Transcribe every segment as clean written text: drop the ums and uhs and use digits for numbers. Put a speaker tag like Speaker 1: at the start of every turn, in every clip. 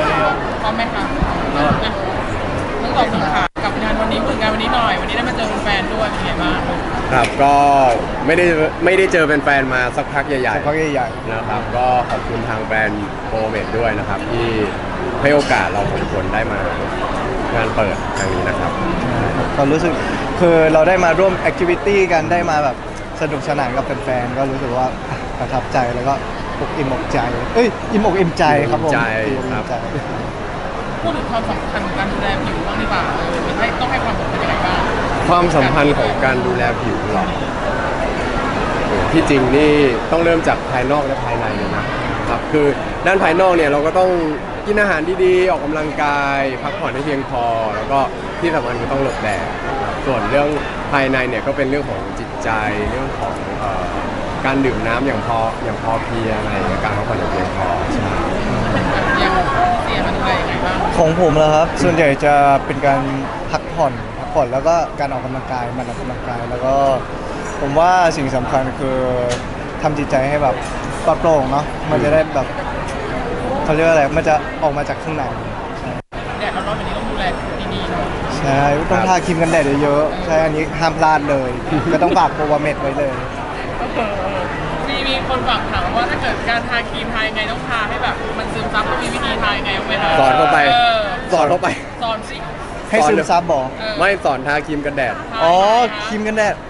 Speaker 1: พร้อมไหมคะทั้งสองคนค่ะกับงานวันนี้ผลงานวันนี้หน่อยวันนี้ได้มาเจอแฟนด้วยเป็นไงบ้าง
Speaker 2: ครับก็ไม่ได้เจอแฟนๆมาสักพักใหญ่ๆนะครับก็ขอบคุณทางแบรนด์โปรเมทด้วยนะครับที่ให้โอกาสเราสองคนได้มางานเปิดครั้งนี้นะครับ
Speaker 3: ความรู้สึกคือเราได้มาร่วมแอคทิวิตี้กันได้มาแบบสนุกสนานกับแฟนๆก็รู้สึกว่าประทับใจแล้วก็อิ่มอกใจอิ่มอกอิ่มใจครับผม
Speaker 1: พูดถึงความสำคัญของการดูแลผิวบ้างดีกว่าต้องให้ความสำคัญยังไงบ้าง
Speaker 2: ความสัมพันธ์ของการดูแลผิวหรอที่จริงนี่ต้องเริ่มจากภายนอกและภายในเลยนะครับคือด้านภายนอกเนี่ยเราก็ต้องกินอาหารดีๆออกกำลังกายพักผ่อนให้เพียงพอแล้วก็ที่สำคัญคือต้องหลบแดดส่วนเรื่องภายในเนี่ยก็เป็นเรื่องของจิตใจเรื่องของการดื่มน้ำอย่างพอเพียงอะไรการพักผ่อนอย่างเพียงพอใช่
Speaker 1: ยังเสียมันอะไรยังไงบ้าง
Speaker 3: ของผมแล้วครับส่วนใหญ่จะเป็นการพักผ่อนแล้วก็การออกกำลังกายมันออกกำลังกายแล้วก็ผมว่าสิ่งสำคัญคือทำจิตใจให้แบบปลอดโปร่งเนาะมันจะได้แบบเขาเรียกว่าอะไรมันจะออกมาจากข้างใน
Speaker 1: แดดร้อนๆแบบนี้ต้องดูแลดีๆเนาะ
Speaker 3: ใช่ต้องทาครีมกันแดดเยอะๆใช่อันนี้ห้ามพลาดเลยก็ต้องฝากโปรวาเมดไว้เลย
Speaker 1: มีคนฝากถามว่าถ้าเกิดการทาครีมทายังไงต้องทาให้แบบมันซึมซับต้องมีวิธีทายังไงไหมคะ
Speaker 2: สอนเข้าไปสอน
Speaker 1: สิ
Speaker 3: ให้ซึมซับบอก
Speaker 2: ไม่สอนทาครีมกันแดด
Speaker 3: ครีมกันแดด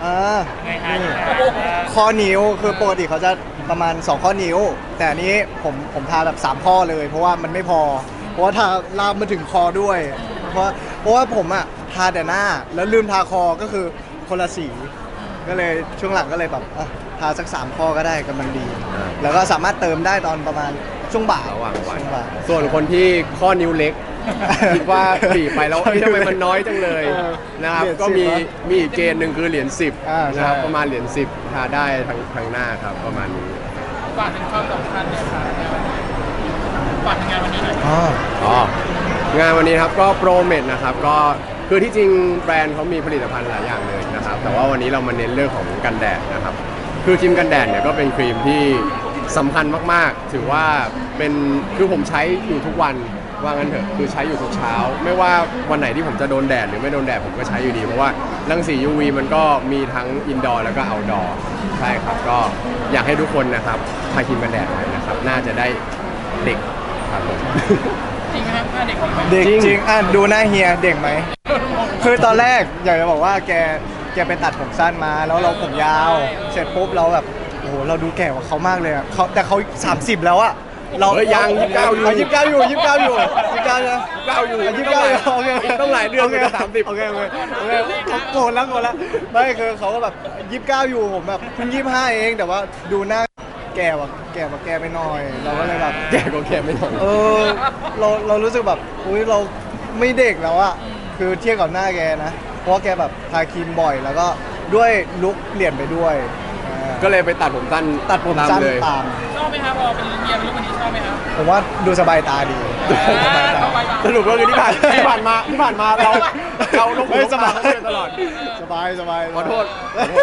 Speaker 3: ข้อนิ้วคือปกติเขาจะประมาณ2ข้อนิ้วแต่อันนี้ผมทาแบบ3ข้อเลยเพราะว่ามันไม่พอเพราะว่าทาลามมาถึงคอด้วยเพราะว่าผมอ่ะทาแต่หน้าแล้วลืมทาคอก็คือคนละสีก็เลยช่วงหลังก็เลยแบบทาสัก3ข้อก็ได้กำลังดีแล้วก็สามารถเติมได้ตอนประมาณช่วงบ่าย
Speaker 2: ระหว่างวันส่วนคนที่ข้อนิ้วเล็กคิดว่าบีบไปแล้วทำไมมันน้อยจังเลยนะครับก็มีอีกเกณฑ์หนึ่งคือเหรียญ10นะครับประมาณเหรียญ10ทาได้ทั้งหน้าครับประมาณนี้
Speaker 1: ฝากถึงความสำคัญเนี่ยค่ะฝากงานวันนี้หน่อย
Speaker 2: งานวันนี้ครับก็โปรเมทนะครับก็คือที่จริงแบรนด์เขามีผลิตภัณฑ์หลายอย่างเลยนะครับแต่ว่าวันนี้เรามาเน้นเรื่องของกันแดดนะครับคือครีมกันแดดเนี่ยก็เป็นครีมที่สำคัญมากๆถือว่าเป็นคือผมใช้อยู่ทุกวันว่างั้นเถอะคือใช้อยู่ทุกเช้าไม่ว่าวันไหนที่ผมจะโดนแดดหรือไม่โดนแดดผมก็ใช้อยู่ดีเพราะว่ารังสี UV มันก็มีทั้งอินดอร์แล้วก็เอาท์ดอร์ใช่ครับก็อยากให้ทุกคนนะครับทาครีมกันแดดไว้นะครับน่าจะได้เด็กครับผม
Speaker 1: จริงไหมครับเด็ก
Speaker 3: เด็กจริงดูหน้าเฮียเด็กไหมคือตอนแรกอยากจะบอกว่าแกไปตัดผมสั้นมาแล้วเราผมยาวเสร็จปุ๊บเราแบบโอ้โหเราดูแก่กว่าเขามากเลยอ่ะแต่เขา30แล้วอ่ะ
Speaker 2: เรายัง29อยู่
Speaker 3: 29อยู่29นะ29อยู่โอเค
Speaker 2: ต้องหลายเดือนเลย30
Speaker 3: โอเคโกรธแล้วไม่คือเขาก็แบบ29อยู่ผมแบบเพิ่ง25เองแต่ว่าดูหน้าแก่กว่าแกไปหน่อยเราก็เลยแบบ
Speaker 2: แก่กว่าแกไม่หน่อย
Speaker 3: เรารู้สึกแบบอุ้ยเราไม่เด็กแล้วอะคือเทียบกับหน้าแกนะเพราะแกแบบทาครีมบ่อยแล้วก็ด้วยลุคเปลี่ยนไปด้วย
Speaker 2: ก็เลยไปตัดผมสั้น
Speaker 3: เลย
Speaker 1: ชอบไหมครับพอเป็นเฮียเป็นลุควันนี้ชอบไหมครับ
Speaker 3: ผมว่าดูสบายตาดี
Speaker 2: สรุปก็คือที่ผ่านมาเราลงมือสบายตลอด
Speaker 3: สบาย
Speaker 2: ขอโทษ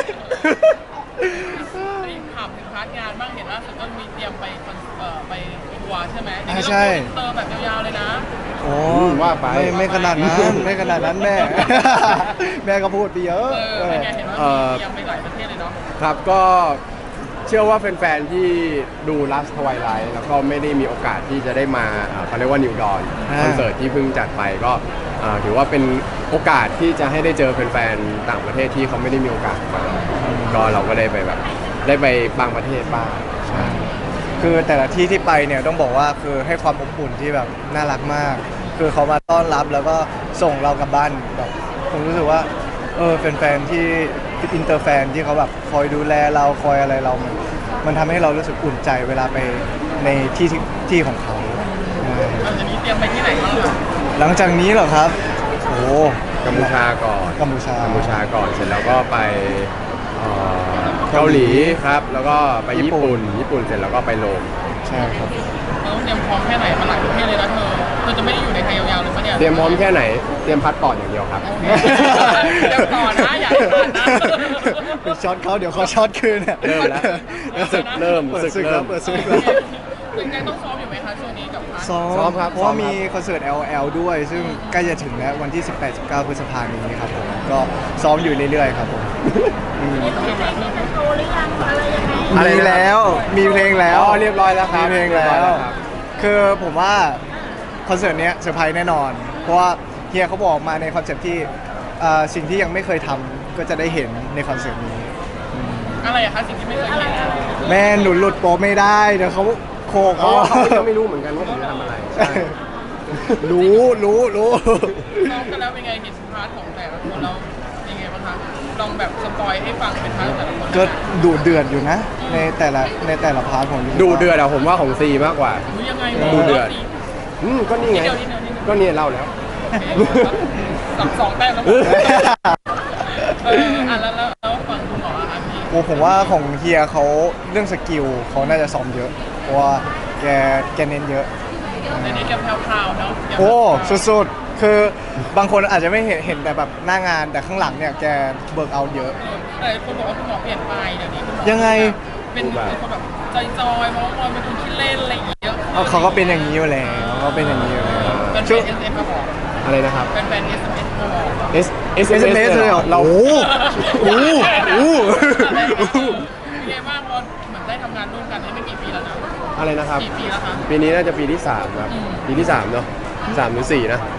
Speaker 1: ถามถึงพาร์ทงานบ้างเห็นว่าสุดก็มีเตรียมไปทัวร์ใช่ไหม
Speaker 3: ใช่
Speaker 1: เติมแบบยาวๆเลยนะ
Speaker 3: โอ้ว่าไปไม่ขนาดนั้นแม่ก็พูดไปเยอะ
Speaker 1: เป็นไงเห็นว่าเตรียมไปหลายประเทศเลยเนาะ
Speaker 2: ครับก็เชื่อว่าแฟนๆที่ดู Last Twilight แล้วก็ไม่ได้มีโอกาสที่จะได้มาเขาเรียกว่า New Dawn คอนเสิร์ตที่เพิ่งจัดไปก็ถือว่าเป็นโอกาสที่จะให้ได้เจอแฟนๆต่างประเทศที่เขาไม่ได้มีโอกาสมาก็เราก็ได้ไปแบบได้ไปบางประเทศบ้างใช่
Speaker 3: คือแต่ละที่ที่ไปเนี่ยต้องบอกว่าคือให้ความอบอุ่นที่แบบน่ารักมากคือเขามาต้อนรับแล้วก็ส่งเรากลับบ้านแบบผมรู้สึกว่าแฟนๆที่อินเตอร์แฟนที่เขาแบบคอยดูแลเราคอยอะไรเรามันทำให้เรารู้สึกอุ่นใจเวลาไปในที่ของเขา
Speaker 1: หลังจากนี้เตรียมไปที่ไหนบ้าง
Speaker 3: หลังจากนี้เหรอครับโอ้
Speaker 2: กัมพูชาก่อน
Speaker 3: กัมพูชา
Speaker 2: ก่อนเสร็จแล้วก็ไปเกาหลีครับแล้วก็ไปญี่ปุ่นเสร็จแล้วก็ไปโรม
Speaker 3: ใช่ครับ
Speaker 1: เราต้องเตรียมพร้อมแค่ไหนมาหลายประเทศเลยนะเธอจะไม่ได้อยู่ในไทยยาวๆเลยปะเนี่ย
Speaker 2: เตรียมพร้อมแค่ไหนเตรียมพาสปอร์ตอย่างเดียวครับ
Speaker 1: เดี๋ยวก่อนนะอย่าก่อนนะ
Speaker 3: เป็นช็อตเขาเดี๋ยวเขาช็อตคืน
Speaker 2: เริ่มแล้วศึกเริ่ม
Speaker 3: เปิดศึกแล้ว
Speaker 1: ยังต้องซ้อมอยู่ไหมคะช่วงนี้กับ
Speaker 2: ซ้อมครับ
Speaker 3: เพราะว่า
Speaker 2: ซ้อมครับ
Speaker 3: มีคอนเสิร์ต LL ด้วย ซึ่งใกล้จะถึงแล้ววันที่ 18-19 พฤษภาคมนี้ครับผมก็ซ้อมอยู่เรื่อยๆครับผมมีแล้วมีเพลงแล้ว
Speaker 2: อ๋อเรียบร้อยแล้วครับ
Speaker 3: มีเพลงแล้
Speaker 2: เรียบร้อยว แล้วครับ
Speaker 3: คือผมว่าคอนเสิร์ตเนี้ยเซอร์ไพรส์แน่นอน เพราะว่าเฮียเขาบอกมาในคอนเซ็ปต์ที่สิ่งที่ยังไม่เคยทำก็จะได้เห็นในคอนเสิร์ตนี้
Speaker 1: อะไรอะคะสิ่งที่ไม่เคยเห็น
Speaker 3: แม่หนูหลุดโปรไม่ได้เดี๋ยวเขาโคก
Speaker 2: อ๋อ
Speaker 3: เขา
Speaker 2: เขายังไม่รู้เหมือนกันว่าผมจะทำอะไรใช่
Speaker 3: รู้
Speaker 1: ซ้อมกันแล้วเป็นไงเห็นพาร์ทของแต่ละคนเรายังไงบ้างคะลองแบบสปอยให้ฟังเป็นพาร์ทแต่ละคน
Speaker 3: ก็ดุเดือดอยู่นะ ในแต่ละพาร์ทของ
Speaker 2: ดูเดือดอะผมว่าของซีมากกว่า
Speaker 1: รู้ยังไง
Speaker 2: ดูเดือด ก็นี่ไง
Speaker 1: นิดเดียวนิดเดียวนิดเดียว
Speaker 2: ก็เนี่ยเล่าแล้ว
Speaker 1: สองแต้มแล้วอ่ะแล้วฝั่งคุณหมออะคะพี่
Speaker 3: โอ้ผมว่าของเฮียเขาเรื่องสกิลเขาน่าจะซ้อมเยอะ เพราะว่าแกเน้นเยอะ
Speaker 1: ในนี้แกแพรวๆเนาะ
Speaker 3: โอ้สุดๆคือบางคนอาจจะไม่เห็นแต่แบบหน้างานแต่ข้างหลังเนี่ยแกเบิร์กเอาเยอะ
Speaker 1: แต่คนบอกว่าคุณหมอเปลี่ยนไปเดี๋ยวนี้คุณหมอ
Speaker 3: ยังไง
Speaker 1: เป็นคนแบบจอยๆมองเป็นคนขี้เล่นอะไรอย่างเงี้ย
Speaker 3: เขาก็เป็นอย่างนี้อยู่แล้วเขาเป็นอย่างนี้อยู่แล้ว
Speaker 1: เป็น
Speaker 3: ช่วง
Speaker 1: เอสเอ็มมาบอก
Speaker 2: อะไรนะครับ
Speaker 1: เป็นแฟนเอสเอ็มมาบอก
Speaker 2: S
Speaker 3: SMS เลยเหรอ
Speaker 2: เรา
Speaker 3: โอ้โห
Speaker 1: เป็นไงบ้างพอเหมือนได้ทำงานร่วมกันได้ไม่กี่ปีแล้วนะ
Speaker 2: อะไรนะครับ
Speaker 1: กี่ปีแล้วคะ
Speaker 2: ปีนี้น่าจะปีที่3ครับ
Speaker 1: อืม
Speaker 2: ปีที่3เนาะ3หรือ4นะ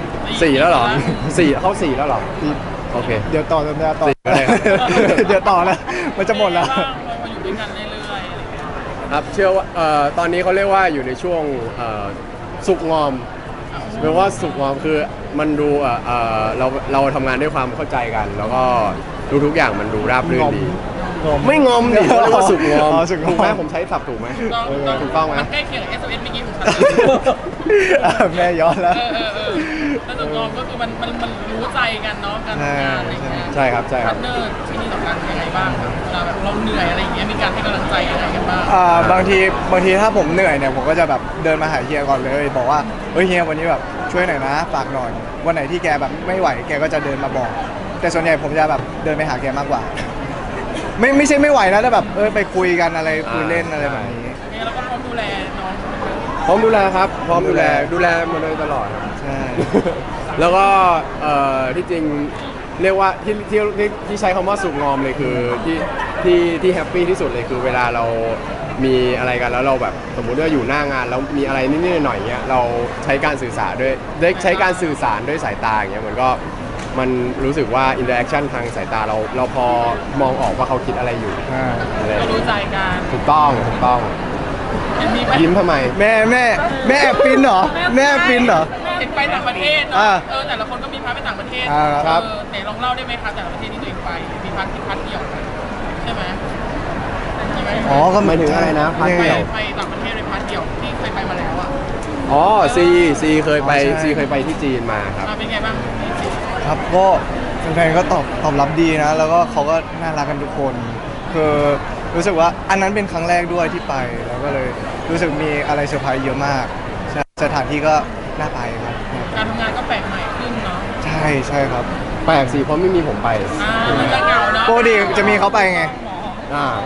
Speaker 2: 4แล้วเหรอ4เข้า4แล้วเหรอโอเค
Speaker 3: เดี๋ยวต่อ
Speaker 2: สี่ก็ได้ครับ
Speaker 3: เดี๋ยวต่อแล้วมันจะหมดแล้ว
Speaker 1: เป็นไงบ้างพอมาอยู่ด้วยกันเรื่อยๆอะไรอย่างเงี้ย
Speaker 2: ครับเชื่อว่าตอนนี้เขาเรียกว่าอยู่ในช่วงสุกงอมแปลว่าสุกงอมคือมันดูเราทำงานด้วยความเข้าใจกัน แล้วก็ทุกอย่างมันดูราบรื่นดี ไม่งอมดิเขาเรียกว่าสุกงอม
Speaker 3: สุกง
Speaker 2: ถู
Speaker 3: อก
Speaker 2: ไหม
Speaker 3: ม
Speaker 2: ผมใช้ศัพท์ถูกไหม
Speaker 1: ต้อง
Speaker 2: ถูกต้องไหม
Speaker 1: มันใกล้เคียงกับ SMS เมื่อกี้ของฉัน
Speaker 3: แม่ย้อนแล้ว
Speaker 1: แล้วตกลงก็คือมันรู้ใจกันเนาะการทำงานอะไรอย่างเงี้ย
Speaker 2: ใช่ครับใช่ค
Speaker 1: พา
Speaker 2: รับ
Speaker 1: ร์ทเนอร์ที่นี่สำคัญยังไงบ้างครับเวลาแบบเราเหนื่อยอะไรอย่างเงี้ยมีการให้กำลังใจยังไงกันบ้าง
Speaker 3: บางทีถ้าผมเหนื่อยเนี่ยผมก็จะแบบเดินมาหาเฮียก่อนเลย บอกว่าเฮ้ยเฮียวันนี้แบบช่วยหน่อยนะฝากหน่อยวันไหนที่แกแบบไม่ไหวแกก็จะเดินมาบอก แต่ส่วนใหญ่ผมจะแบบเดินไปหาแกมากกว่า ไม่ใช่ไม่ไหวนะแต่แบบไปคุยกันอะไรคุยเล่นอะไรแบบนี้
Speaker 1: เนี่ยเราก็พร้อมดูแลน้อง
Speaker 2: พร้อมดูแลครับ พร้อมดูแลมาโดยตลอดครับ
Speaker 3: ใช่
Speaker 2: แล้วก็ที่จริงเรียกว่าที่ใช้คำว่าสุกงอมเลยคือที่แฮปปี้ที่สุดเลยคือเวลาเรามีอะไรกันแล้วเราแบบสมมุติว่าอยู่หน้างานแล้วมีอะไรนิดๆหน่อยๆเงี้ยเราใช้การสื่อสารด้วยใช้การสื่อสารด้วยสายตาอย่างเงี้ยมันรู้สึกว่าอินเตอร์แอคชั่นทางสายตาเราพอมองออกว่าเขาคิดอะไรอยู่
Speaker 3: อ่า
Speaker 2: อะไร
Speaker 1: เรารู้ใจกัน
Speaker 2: ถูกต้อง
Speaker 1: มีไหม
Speaker 2: ยิ้มทำไม
Speaker 3: แม่แอบฟินเหรอแม่แอบฟินเหรอ
Speaker 1: เห็นไปต่างประเทศเนาะ
Speaker 3: อ่า
Speaker 1: แต่ละคนก็มีพาร์ทไปต่างประเทศ
Speaker 2: ครับ
Speaker 1: ไหนลองเล่าได้ไหมคะแต่ละประเทศที่ตัวเองไปมีพาร์ทที่พาร์ทเดียวใช่ไหมมีไหม
Speaker 3: อ๋อก็
Speaker 2: หมายถึงอะไรนะพาร์ท
Speaker 1: ไป
Speaker 2: เดียว
Speaker 1: ไปต่างประเทศเลยพาร์ทเดียวที่เคยไปมาแล้วอ่ะ
Speaker 2: อ๋อซีเคยไป
Speaker 3: อ๋อใช่
Speaker 2: ซีเคยไปที่จีนมาครับ
Speaker 1: เป็นไงบ้าง
Speaker 3: ครับก็แฟนๆก็ตอบรับดีนะ แล้วก็เขาก็น่ารักกันทุกคน คือรู้สึกว่าอันนั้นเป็นครั้งแรกด้วยที่ไป แล้วก็เลยรู้สึกมีอะไรเซอร์ไพรส์เยอะมากใช่สถานที่ก็น่าไปครับ
Speaker 1: การทำงานก็แปลกใหม่ขึ้นเนาะ
Speaker 3: ใช่ครับ
Speaker 2: แปลกสิเพราะไม่มีผมไป
Speaker 1: มันจะเหงาเนาะ
Speaker 3: ปกติจะมีเขาไปไง
Speaker 2: อ่า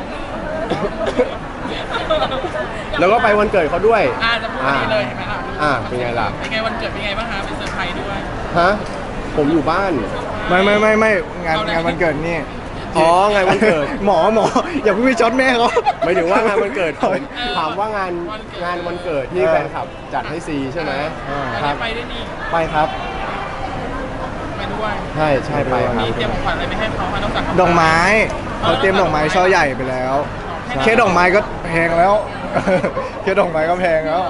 Speaker 2: แล้วก็ไปวันเกิดเขาด้วย
Speaker 1: จะพูดดีเลยเห็นไหมล่ะ
Speaker 2: เป็นไงล่ะ
Speaker 1: เป็นไงวันเกิดเป็นไงบ้างคะเป็นเซอร์ไพรส์ด้วย
Speaker 2: ฮะ ผมอยู่บ้าน
Speaker 3: ไม่งานวันเกิดนี่
Speaker 2: อ๋องานวันเกิด
Speaker 3: หมออย่าเพิ่งไปช็อตแม่เขา
Speaker 2: หมายถึงว่างานวันเกิดผมถามว่างานวันเกิดที่แฟนคลับจัดให้ซีใช่ไหมครับ
Speaker 1: ไปด้วยนี่
Speaker 2: ไปครับ
Speaker 1: ไปด้วย
Speaker 2: ใช่ไปครับ
Speaker 1: มีเตรียมของขวัญอะไรไปให้เขาคะนอกจาก
Speaker 3: ดอกไม้เขาเตรียมดอกไม้ช่อใหญ่ไปแล้ว แค่ดอกไม้ก็แพงแล้ว แค่ดอกไม้ก็แพงแล้ว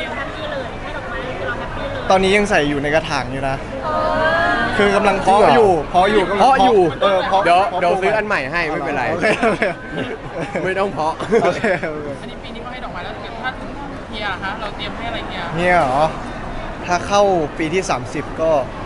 Speaker 3: ตอนนี้ยังใส่อยู่ในกระถางอยู่นะ คือกำลังเพาะอยู่กำลัง
Speaker 2: เพาะอยู่
Speaker 3: เพาะ
Speaker 2: เดี๋ยว
Speaker 3: เพาะ
Speaker 2: ซื้ออันใหม่ให้ไม่เป็นไร
Speaker 3: โอเค
Speaker 2: ไม่ต้องเพาะ
Speaker 3: โอเค
Speaker 1: อันนี้ปีนี้เขาให้ดอกไม้แล้วถ้าถึงเฮียคะเราเตรียมให้อะไรเฮีย
Speaker 3: เนี่ยเหรอ ถ้าเข้าปีที่ 30 ก็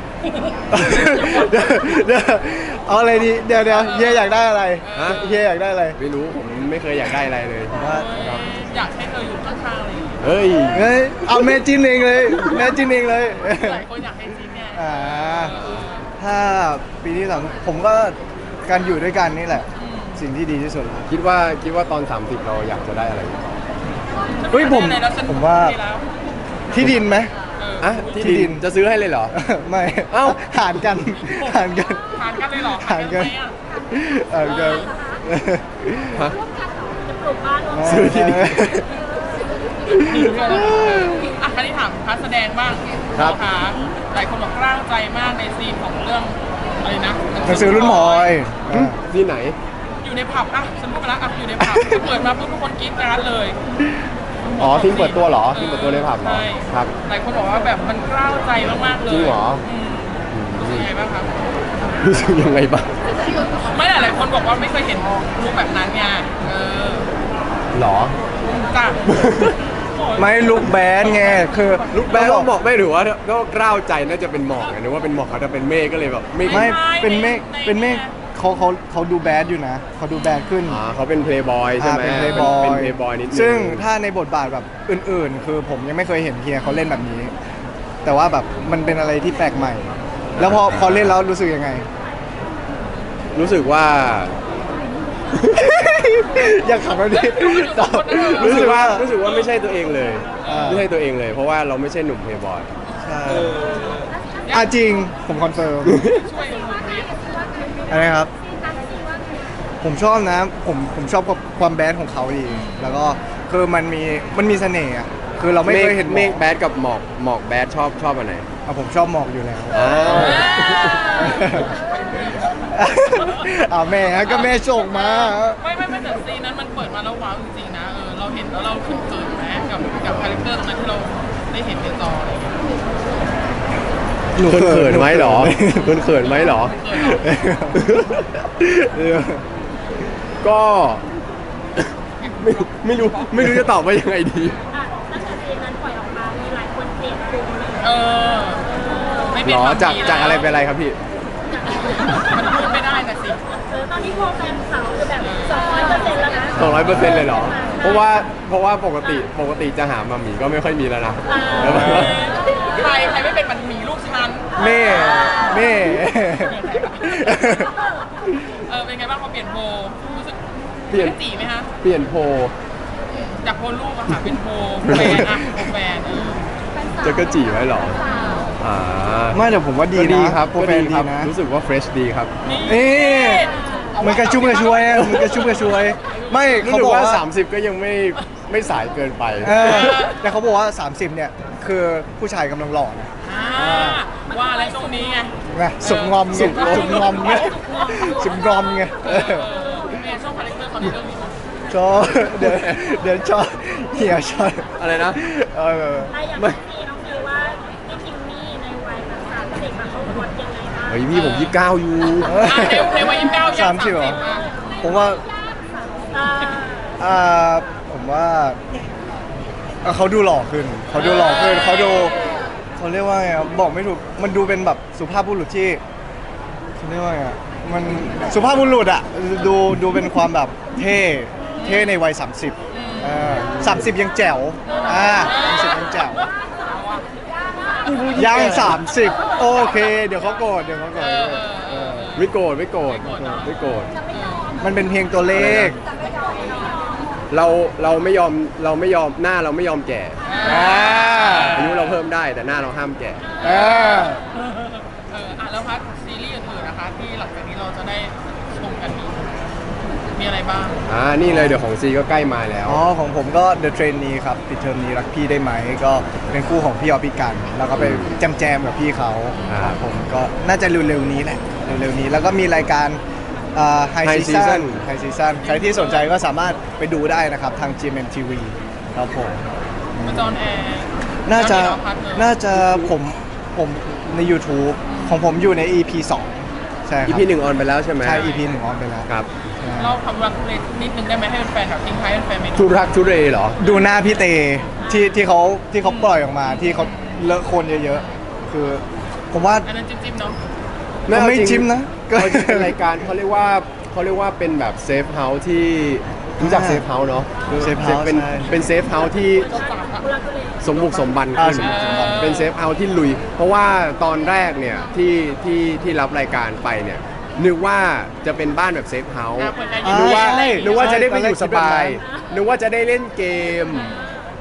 Speaker 3: เดี๋ยวเอาอะไรดีเดี๋ยวเฮียอยากได้อะไร
Speaker 2: ฮะ
Speaker 3: เฮียอยากได้อะไร
Speaker 2: ไม่รู้ผมไม่เคยอยากได้อะไรเลย
Speaker 3: ว่า
Speaker 1: อยากให้เธออยู่ข้างๆเลย
Speaker 2: เฮ้ย
Speaker 3: เฮ้ยเอาแม่จิ้นเองเลยแม่จิ้นเองเลย
Speaker 1: หลายคนอยากให้จีนเนี่ย
Speaker 3: อ่าถ้าปีที่3ผมก็การอยู่ด้วยกันนี่แหละ สิ่งที่ดีที่สุดแล้ว
Speaker 2: คิดว่าตอน 30 เราอยากจะได้อะไร
Speaker 3: เฮ้ยผมว่าที่ดินไหม
Speaker 2: อ่ะที่
Speaker 3: ที่ดิ
Speaker 2: ดิน
Speaker 3: น
Speaker 2: จะซื้อให้เลยเหรอ
Speaker 3: ไม่
Speaker 2: เอ้า
Speaker 3: หารกันหารกัน
Speaker 1: ทานกันเลยเหรอ
Speaker 3: ทานกัน
Speaker 1: ไหมอ่ะ
Speaker 3: หารกัน
Speaker 2: ฮะ
Speaker 4: จะปลูกบ้านร่วม
Speaker 2: ซื้อที่ดิน
Speaker 1: อ่ะคราวนี้ถามพาร์ทแสดงบ้าง
Speaker 2: ครับ
Speaker 1: นะคะหลายคนบอกกล้าวใจมากในซีนของเรื่องอะไรนะ
Speaker 3: หนังสือรุ่นหมอย
Speaker 2: ที่ไหน
Speaker 1: อยู่ในผับอ่ะฉันพูดไปแล้วอ่ะอยู่ในผับเปิดมาปุ๊บทุกคนกรี๊ดกราดเลย
Speaker 2: อ๋อทีมเปิดตัวเหรอทีมเปิดตัวในผับเหรอ
Speaker 1: ใช่
Speaker 2: ครับ
Speaker 1: หลายคนบอกว่าแบบมันกล้าวใจมากๆเลย
Speaker 2: จริงเหรอ
Speaker 1: รู้สึกยังไงบ้างครับ
Speaker 2: รู้สึกยังไงบ้าง
Speaker 1: ไม่หลายคนบอกว่าไม่เคยเห็นลุคแบบนั้นไงอ
Speaker 2: หรอ
Speaker 1: จ้ะ
Speaker 3: ไม่ลุกแบนไงคือ
Speaker 2: ลูกแบงก็บอกไม่ถือว่าก็กล้าวใจน่าจะเป็นหมอกไงนึกว่าเป็นหมอกเขาจะเป็นเมฆก็เลยแบบไม่
Speaker 3: ไม่เป็นเมฆเป็นเมฆเขาดูแบดอยู่นะเขาดูแบดขึ้น
Speaker 2: เขาเป็นเพลย์บอยใช่ไหม
Speaker 3: เป็นเพลย์บอย
Speaker 2: เป็นเพลย์บอยนิดนึง
Speaker 3: ซึ่งถ้าในบทบาทแบบอื่นๆ คือผมยังไม่เคยเห็นเฮียเขาเล่นแบบนี้ แต่ว่าแบบมันเป็นอะไรที่แปลกใหม่ แล้วพอเล่นแล้วรู้สึกยังไง
Speaker 2: รู้สึกว่า
Speaker 3: อยากขับแล้วดิตอบ
Speaker 2: รู้สึกว่าไม่ใช่ตัวเองเลย
Speaker 3: อ่า
Speaker 2: ไม่ใช่ตัวเองเลย เพราะว่าเราไม่ใช่หนุ่มเพลย์บอย
Speaker 3: ใช่จริงผมคอนเฟิร์ม
Speaker 1: ช่วยดูนิด
Speaker 3: อะไรครับ ผมชอบนะผมชอบความแบดของเขาดี แล้วก็คือมันมีเสน่ห์อะคือเราไม่เคยเห็น
Speaker 2: เมฆแบดกับหมอกแบดชอบอันไหน
Speaker 3: ผมชอบหมอกอยู่แล้ว
Speaker 2: อ้าว
Speaker 3: แม่ก็แม่ส่งมา
Speaker 1: ไม่แต่ซีนนั้นมันเปิดมาแล้วว้าวจริงๆนะเราเห็นแล้วเราเขินๆไหมกับคาแรคเตอร์ตรงนั้นที่เราได้เห็นในจออะไรอย่างเงี้ย
Speaker 2: เขินไหมเหรอเขินไหมเหรอ ก็ ไม่รู้จะตอบว่ายังไงดี
Speaker 4: ตั้งแต่เพลงนั้นปล่อยออกมามีหลายคนเปลี่ยนปรุงเลย
Speaker 1: เออไม่เป็น
Speaker 2: หรอ
Speaker 1: ความ
Speaker 2: จาก
Speaker 1: ดี
Speaker 2: จากอะไรเป็นอะไรครับพี่
Speaker 1: มันพูดไม่ได้นะสิ
Speaker 4: ตอนนี้โปรแกรมเขาคือแบบ200%แล้วนะ
Speaker 2: 200%เลยเหรอ เพราะว่าปกติจะหามาหมีก็ไม่ค่อยมีแล้วนะ แล้วแบบว่า
Speaker 1: ใครไม่เป็นมันหมีลูกฉัน
Speaker 3: แม่
Speaker 1: เป็นไงบ้างพอเปลี่ยนโพลรู้สึก
Speaker 2: เปลี่ยน
Speaker 1: จีไหมฮะ
Speaker 2: เปลี่ยนโพล
Speaker 1: จากโพลรูปอะค่ะเป็นโพลแฟนอะโพลแฟน
Speaker 2: จะกระจีไว้เหรออ่า
Speaker 3: ไม่แต่ผมว่าดี
Speaker 2: ก็ดี
Speaker 3: นะครับ โปรแกรม
Speaker 2: ก็
Speaker 3: ดี
Speaker 2: ครับ
Speaker 3: นะ
Speaker 2: รู้สึกว่าเฟรชดีครับ
Speaker 1: นี่
Speaker 3: เอ๊ะมันกระชุ่มกระชวยอะมันกระชุ่มกระชวย ไม่
Speaker 2: รู้
Speaker 3: เขา
Speaker 2: สึก
Speaker 3: บอก
Speaker 2: ว่า
Speaker 3: ว่า
Speaker 2: 30 ก็ยังไม่สายเกินไป
Speaker 3: แต่เขาบอกว่า 30 เนี่ย คือผู้ชายกำลังหล่อนะ
Speaker 1: ว่าอะไรตรงนี้ไง
Speaker 3: นะสุกงอมไงสุกงอมไงสุกงอมไง
Speaker 1: เนี่ยชอบคาแรคเตอร์เขาในเรื่องนี้
Speaker 3: ชอบเดี๋ยวชอบเหี่ยวชอบ
Speaker 2: อะไรนะ
Speaker 4: แต่อย่างน้องพีน้องพีว่าพี่คิมมี่ในวัยแบบ30อะเขาบทยังไงบ้าง
Speaker 2: เฮ้ยพี่ผม29อยู่
Speaker 1: ในวัย29ย่าง
Speaker 3: 30เหรอ ผมว่า ผมว่าเขาดูหล่อขึ้น เขาดูหล่อขึ้น เขาเรียกว่าไงอะบอกไม่ถูก มันดูเป็นแบบสุภาพบุรุษที่เขาเรียกว่าไงอะมันสุภาพบุรุษอะดูเป็นความแบบเท่ในวัย 30 30 ยังแจ๋ว30ยังแจ๋วยัง 30 โอเค เดี๋ยวเขาโกรธ
Speaker 2: ไม่โกรธไม่โกรธ
Speaker 3: มันเป็นเพียงตัวเลข
Speaker 2: เราไม่ยอมหน้าเราไม่ยอมแก่อายุเราเพิ่มได้แต่หน้าเราห้ามแก่
Speaker 1: แล้วพักซีรีส์อื่นๆนะคะที่หลังจากนี้เราจะได้ชมกันมีอะไรบ้าง
Speaker 2: นี่เลยเดี๋ยวของซีก็ใกล้มาแล้ว
Speaker 3: ของผมก็ The Trainee ครับปิดเทอมนี้รักพี่ได้ไหมก็เป็นคู่ของพี่ออฟพี่กัน แล้วก็ไปแจมกับพี่เขาครับผมก็น่าจะเร็วๆนี้แหละเร็วๆนี้แล้วก็มีรายการHigh
Speaker 2: High
Speaker 3: Season
Speaker 2: Season
Speaker 3: ใครที่สนใจก็สามารถไปดูได้นะครับทาง GMMTV ครับผม
Speaker 1: มาจอนแอร์
Speaker 3: น่าจะ
Speaker 1: แล้วมีเราพักเลย
Speaker 3: น่าจะผมใน YouTube ของผมอยู่ใน EP 2 ใช่ครับ
Speaker 2: EP 1ออนไปแล้วใช่ไหม
Speaker 3: ใช่ EP 1 ออนไปแล้ว
Speaker 2: ครับ
Speaker 1: เราทำรักเล็กนิดนึงได้ไหมให้แฟนๆแบบทิ้งท้ายให้แฟนๆเมนู
Speaker 2: ทุรักทุเรเหรอ
Speaker 3: ดูหน้าพี่เตที่เขาปล่อยออกมาที่เขาเลอะโคลนเยอะๆ คือผมว่า
Speaker 1: อันนั้นจิ้มๆเนาะ
Speaker 3: ไม่จิ้มนะ
Speaker 2: ก็เป็นรายการเขาเรียกว่าเป็นแบบเซฟเฮาส์ที่รู้จักเซฟเฮาส์เนาะ
Speaker 3: Safe House ใช่
Speaker 2: เป็นเซฟเฮาส์ที่สมบุกสมบัน
Speaker 3: อ่า
Speaker 2: ขึ้น
Speaker 3: สมบุกสมบัน
Speaker 2: เป็นเซฟเฮาส์ที่ลุย เพราะว่าตอนแรกเนี่ยที่รับรายการไปเนี่ยนึกว่าจะเป็นบ้านแบบเซฟเฮาส์
Speaker 1: เปิดใจ
Speaker 2: นึกว่า
Speaker 3: ใช่
Speaker 2: นึกว่าจะได้ไปอยู่
Speaker 3: ใช่
Speaker 2: สบาย
Speaker 3: ตอนแรกคิดแบบนั้น
Speaker 2: นึกว่าจะได้เล่นเกม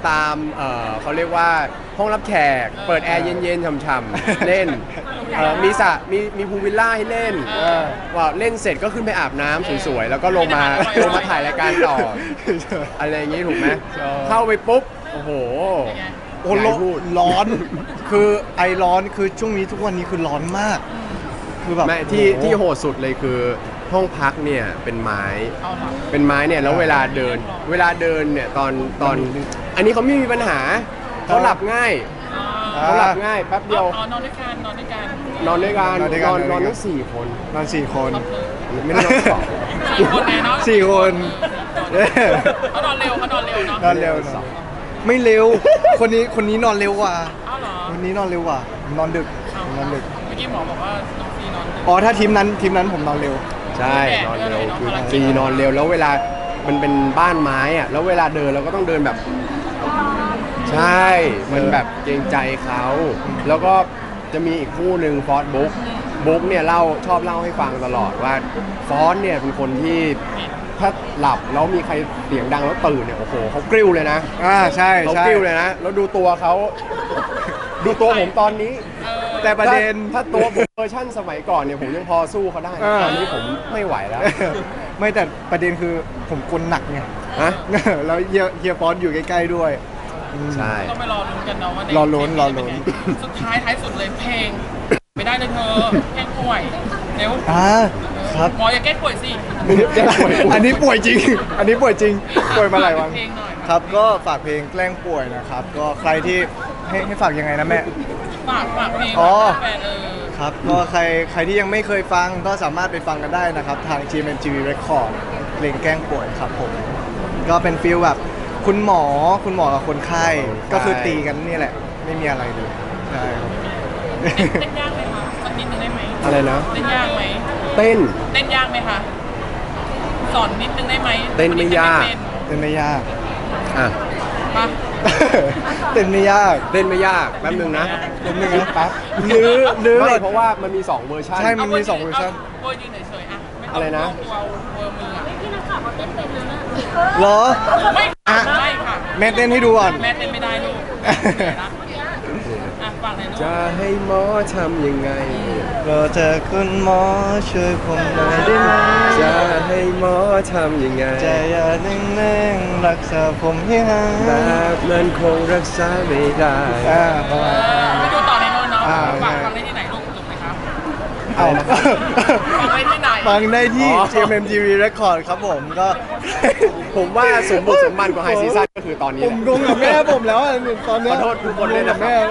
Speaker 2: ตามเขาเรียกว่าห้องรับแขกเปิดแอร์เย็นๆฉ่ำๆเล่นมีสระมีพูลวิลล่าให้เล่นว่าเล่นเสร็จก็ขึ้นไปอาบน้ำสวยๆแล้วก็ลงมาถ่ายรายการต่ออะไรอย่างงี้ถูกไหมเข้าไปปุ๊บโอ้โห
Speaker 3: โอ้ร้อน คือไอร้อนคือช่วงนี้ทุกวันนี้คือร้อนมาก คือแบบ
Speaker 2: ไม่ที่โหดสุดเลยคือห้องพักเนี่ยเป็นไม้
Speaker 1: เอาหรอ
Speaker 2: เป็นไม้เนี่ยแล้วเวลาเดินเนี่ยตอนอันนี้เขาไม่มีปัญหาเขาหลับง่ายเขาหลับง่ายแป๊บเดียว
Speaker 1: นอนด้วยกันนอนด้วยกัน
Speaker 2: นอนด้วยกันนอนทั้ง4 คน
Speaker 3: นอน4 คน
Speaker 2: ไม่ได้นอนสอง
Speaker 1: 4 คนไงเนาะ
Speaker 3: 4 คน
Speaker 1: เขานอนเร็วเนาะ
Speaker 3: นอนเร็วไม่เร็ว คนนี้นอนเร็วกว่า
Speaker 1: อ้าวเหรอ
Speaker 3: คนนี้นอนเร็วกว่า นอนดึก นอนดึก
Speaker 1: เมื่อกี้หมอบอกว่าน้องซีนอนดึก
Speaker 3: อ๋อถ้าทีมนั้นผมนอนเร็ว
Speaker 2: ใช่นอนเร็วคือจีนอนเร็วแล้วเวลามันเป็นบ้านไม้อะแล้วเวลาเดินเราก็ต้องเดินแบบ ใช่มันแบบเกรงใจเขาแล้วก็จะมีอีกคู่หนึ่งฟอสบุ๊กเนี่ยชอบเล่าให้ฟังตลอดว่าฟอสเนี่ยเป็นคนที่ถ้าหลับแล้วมีใครเสียงดังแล้วตื่นเนี่ยโอ้โหเขากริ้วเลยนะ
Speaker 3: ใช่
Speaker 2: เขา
Speaker 3: ใช่
Speaker 2: กริ้วเลยนะแล้วดูตัวเขาดูตัวผมตอนนี้
Speaker 3: แต่ประเด็น
Speaker 2: ถ้าตัวผมเวอร์ชั่นสมัยก่อนเนี่ยผมยังพอสู้เขาได้ ตอนนี้ผมไม่ไหวแล้ว
Speaker 3: ไม่แต่ประเด็นคือผมกลหนักไง
Speaker 2: ฮะ
Speaker 3: แล้วเฮียฟอนอยู่ใกล้ๆด้วย
Speaker 2: ใช่
Speaker 1: ต้องไปรอลุ้นกันเนาะว่าใน
Speaker 3: รอลุ้น
Speaker 1: สุดท้ายสุดเลยเพลง ไม่ได้เลยเธอแกล้งป่วยเร็ว
Speaker 3: ครับ
Speaker 1: หมออย่าแกล้งป่วยสิ
Speaker 3: อันนี้ป่วยจริง อันนี้ป่วยจริง ป่วยมาหลายวัน
Speaker 1: เพลงหน่อย
Speaker 3: ครับ ก็ฝากเพลงแกล้งป่วยนะครับ ก็ใครที่ให้ฝากยังไงนะแม่
Speaker 1: ฝากเพลง
Speaker 3: อ๋อ
Speaker 1: แฟน
Speaker 3: ครับ ก็ใครที่ยังไม่เคยฟังก็สามารถไปฟังกันได้นะครับ ทาง GMMTV Record เพลงแกล้งป่วยครับผม ก็เป็นฟีลแบบคุณหมอกับคนไข้ ก็คือตีกันนี่แหละ ไม่มีอะไรเลยใช่ครับ
Speaker 1: เต้นยากไหมคะสักนิดนึงได้ไหม
Speaker 2: อะไรนะ
Speaker 1: เต้นยากไหม
Speaker 2: เต้น
Speaker 1: เต้นยากไหมคะสอนนิดนึงได้ไหม
Speaker 2: เต้นไม่ยาก
Speaker 3: เต้นไม่ยาก
Speaker 2: อ่ะ
Speaker 1: มา
Speaker 3: เต้นไม่ยาก
Speaker 2: เต้นไม่ยากแป๊บนึงนะ
Speaker 3: แป๊บนึงนะ
Speaker 2: แป๊บ
Speaker 3: ลื้อ
Speaker 2: ไม่เพราะว่ามันมี2เวอร์ชัน
Speaker 3: ใช่ มันมี2เวอร์ชัน
Speaker 1: เวอร์ยืนเฉยๆอ่ะม่ต้ง
Speaker 2: อะไรนะ
Speaker 1: ตัวเวอร์มืออ่ะ
Speaker 4: พี่นักข่าวเขาเต้นเป็นแล้วนะ
Speaker 3: เหรอ
Speaker 1: ไม่
Speaker 3: อ่ะ
Speaker 1: ไม่ค่ะ
Speaker 3: แม่เต้นให้ดูก่อน
Speaker 1: แม่เต้นไม่ได้ลูกอ่ะฟังเลยลูก
Speaker 2: จะให้หมอทำยังไง
Speaker 3: เราเจอคุณหมอช่วยผมหน่อยได้ไหม
Speaker 2: จะให้หมอทำยังไง
Speaker 3: ใจอย่านิ่งๆรักษาผมให้หาย
Speaker 2: แบบนั้นคงรักษาไม่ได้
Speaker 3: ประมาณนั้น
Speaker 1: ไปดูต่อในโน้นเนาะ
Speaker 3: อ่า
Speaker 1: ฟังได้ที่ไหนลูกถูกไหมครับ
Speaker 3: เอา
Speaker 1: ฟังได้ที่ไหน
Speaker 3: ฟังได้ที่
Speaker 2: อ๋อ
Speaker 3: GMMTV Record ครับผมก็
Speaker 2: ผมว่าสมบุกสมบันกว่าไฮซีซั่นก็คือตอนนี้
Speaker 3: ผ
Speaker 2: แห
Speaker 3: ม
Speaker 2: ละ
Speaker 3: งงกับแม่ผมแล้วอ่ะตอนเนี้ย
Speaker 2: ขอโทษทุกคนด้วยนะครับ
Speaker 3: แม่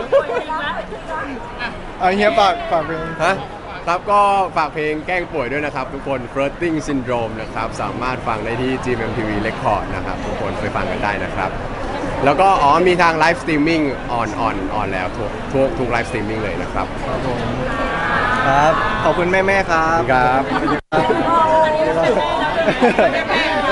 Speaker 3: เฮียฝากเพลง
Speaker 2: ฮะครับก็ฝากเพลงแกล้งป่วยด้วยนะครับ ทุกคน Flirting Syndrome นะครับ สามารถฟังได้ที่ GMMTV Record นะครับ ทุกคนไปฟังกันได้นะครับ แล้วก็มีทางไลฟ์สตรีมมิ่งออนแล้วทุกไลฟ์สตรีมมิ่งเลยนะครับ
Speaker 3: ครับ ขอบคุณแม่ๆครับ
Speaker 2: ครับ
Speaker 3: ครับ